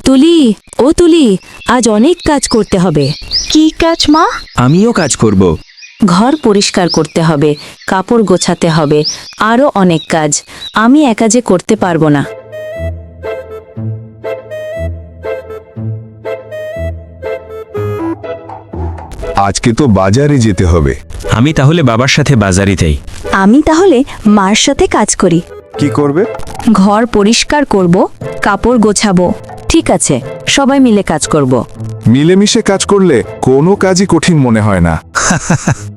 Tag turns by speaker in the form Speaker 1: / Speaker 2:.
Speaker 1: তুলি, ও তুলি, আজ অনেক কাজ করতে হবে।
Speaker 2: কি কাজ মা?
Speaker 3: আমিও কাজ করব।
Speaker 1: ঘর পরিষ্কার করতে হবে, কাপড় গোছাতে হবে, আরও অনেক কাজ। আমি একা যে করতে পারবো না।
Speaker 4: আজকে তো বাজারে যেতে হবে।
Speaker 3: আমি তাহলে বাবার সাথে বাজারে যাই।
Speaker 1: আমি তাহলে মার সাথে কাজ করি।
Speaker 4: কি করবে?
Speaker 1: ঘর পরিষ্কার করব, কাপড় গোছাবো। ঠিক আছে, সবাই মিলে কাজ করব।
Speaker 4: মিলেমিশে কাজ করলে কোনো কাজই কঠিন মনে হয় না।